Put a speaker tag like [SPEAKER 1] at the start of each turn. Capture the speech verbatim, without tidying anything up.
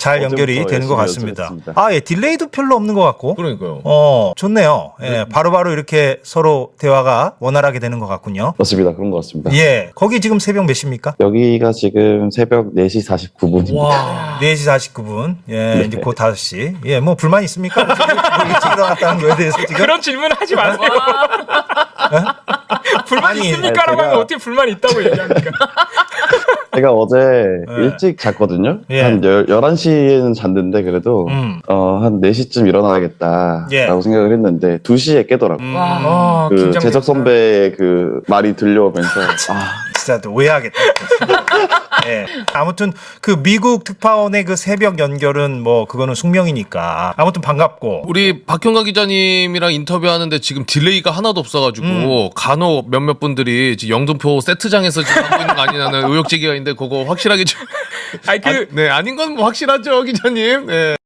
[SPEAKER 1] 잘 연결이 되는 것 같습니다.
[SPEAKER 2] 연습했습니다.
[SPEAKER 1] 아, 예, 딜레이도 별로 없는 것 같고.
[SPEAKER 3] 그러니까요.
[SPEAKER 1] 어, 좋네요. 예, 바로바로 이렇게 서로 대화가 원활하게 되는 것 같군요.
[SPEAKER 2] 맞습니다. 그런 것 같습니다.
[SPEAKER 1] 예, 거기 지금 새벽 몇 시입니까?
[SPEAKER 2] 여기가 지금 새벽 네 시 사십구 분입니다.
[SPEAKER 3] 와.
[SPEAKER 1] 네 시 사십구 분. 예,
[SPEAKER 2] 네.
[SPEAKER 1] 이제 곧 다섯 시. 예, 뭐 불만 있습니까? 뭐 일찍 일어났다는 거에 대해서 지금.
[SPEAKER 3] 그런 질문 하지 마세요. 불만
[SPEAKER 1] 아니,
[SPEAKER 3] 있습니까라고
[SPEAKER 2] 제가-
[SPEAKER 3] 하면 어떻게 불만 있다고 얘기합니까?
[SPEAKER 2] 제가 어제
[SPEAKER 1] 네.
[SPEAKER 2] 일찍 잤거든요.
[SPEAKER 1] 예.
[SPEAKER 2] 한 열한 시에는 잤는데 그래도
[SPEAKER 1] 음.
[SPEAKER 2] 어, 한 네 시쯤 일어나야겠다라고
[SPEAKER 1] 예.
[SPEAKER 2] 생각을 했는데 두 시에 깨더라고요.
[SPEAKER 1] 음.
[SPEAKER 3] 와,
[SPEAKER 2] 그
[SPEAKER 3] 긴장된다.
[SPEAKER 2] 재석 선배의 그 말이 들려오면서 아,
[SPEAKER 1] 진짜 또 오해하겠다. 예. 아무튼 그 미국 특파원의 그 새벽 연결은 뭐 그거는 숙명이니까 아무튼 반갑고.
[SPEAKER 3] 우리 박형가 기자님이랑 인터뷰하는데 지금 딜레이가 하나도 없어가지고
[SPEAKER 1] 음.
[SPEAKER 3] 간혹 몇몇 분들이 지금 영등포 세트장에서 지금 하고 있는 거 아니냐는 의혹 제기가 있는데 그거 확실하게 좀. 아니 그 네 아닌 건 뭐 확실하죠 기자님. 네.